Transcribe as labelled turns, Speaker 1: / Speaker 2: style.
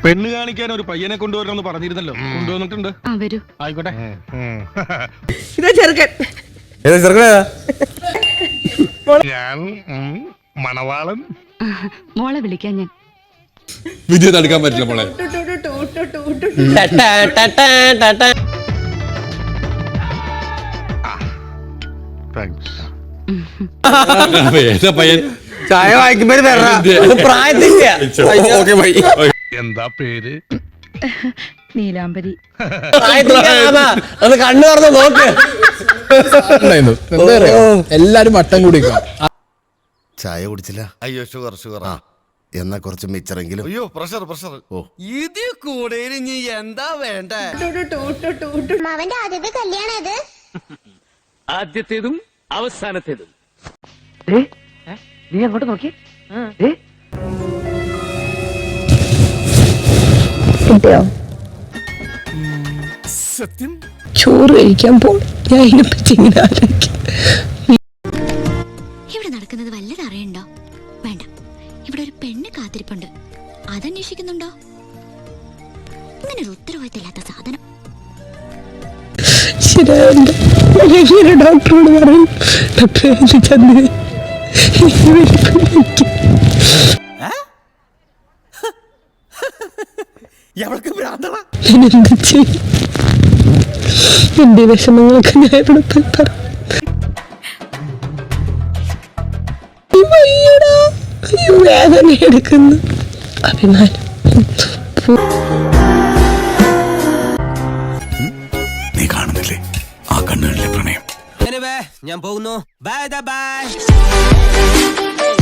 Speaker 1: പെണ്ണ് കാണിക്കാൻ ഒരു പയ്യനെ കൊണ്ടുവരണമെന്ന് പറഞ്ഞിരുന്നല്ലോ, കൊണ്ടുവന്നിട്ടുണ്ട്.
Speaker 2: വരൂ.
Speaker 1: ആയിക്കോട്ടെ.
Speaker 3: ഇതാ ചെറുക്കൻ.
Speaker 1: ഞാൻ മണവാളൻ.
Speaker 2: മോളെ വിളിക്കാൻ ഞാൻ.
Speaker 4: വിദ്യ തടുക്കാൻ പറ്റില്ല മോളെ. പയ്യൻ
Speaker 5: ചായ വാങ്ങിക്കുമ്പോ
Speaker 1: എന്താ പേര്?
Speaker 2: നീലാംബരി.
Speaker 5: അത് കണ്ണു തുറന്ന് നോക്ക്.
Speaker 6: എല്ലാരും വട്ടം കൂടിക്കാം.
Speaker 7: ചായ കുടിച്ചില്ല?
Speaker 8: അയ്യോ ഷുഗർ ഷുഗർ.
Speaker 7: എന്നാ കുറച്ച് മിച്ചറെങ്കിലും.
Speaker 8: അയ്യോ പ്രഷർ പ്രഷർ.
Speaker 7: ഓ
Speaker 8: ഇത് കൂടുതൽ ഇനി എന്താ വേണ്ട?
Speaker 9: അവന്റെ ആദ്യത്തെ കല്യാണം അത്.
Speaker 10: ആദ്യത്തേതും അവസാനത്തേതും.
Speaker 3: നീ അങ്ങോട്ട് നോക്കി.
Speaker 8: സത്യം
Speaker 3: ചോറ് കഴിക്കാൻ പോണം. ഞാൻ ഇതിനെപ്പറ്റിങ്ങനെ ആലോചിക്കും.
Speaker 9: ഇവിടെ നടക്കുന്നത് വല്ലത് അറിയണ്ടോ? വേണ്ട. ഇവിടെ ഒരു പെണ്ണ് കാത്തിരിപ്പുണ്ട്. അതന്വേഷിക്കുന്നുണ്ടോ? ഇങ്ങനെ ഒരു ഉത്തരവാദിത്തമില്ലാത്ത സാധനം.
Speaker 3: ശരിയാ, ഡോക്ടറോട് പറയും. ഡോക്ടറെ ചെന്ന് എന്ത് ചെയ്യും? എന്റെ വിഷമങ്ങളൊക്കെ ഞാൻ ഇവിടെ പോയി പറയും. അയ്യോ, വേദന എടുക്കുന്നു. അഭിമാനം.
Speaker 7: നീ കാണുന്നില്ലേ ആ കണ്ണുകളിലെ പ്രണയം?
Speaker 5: ഞാൻ പോകുന്നു. Bye by.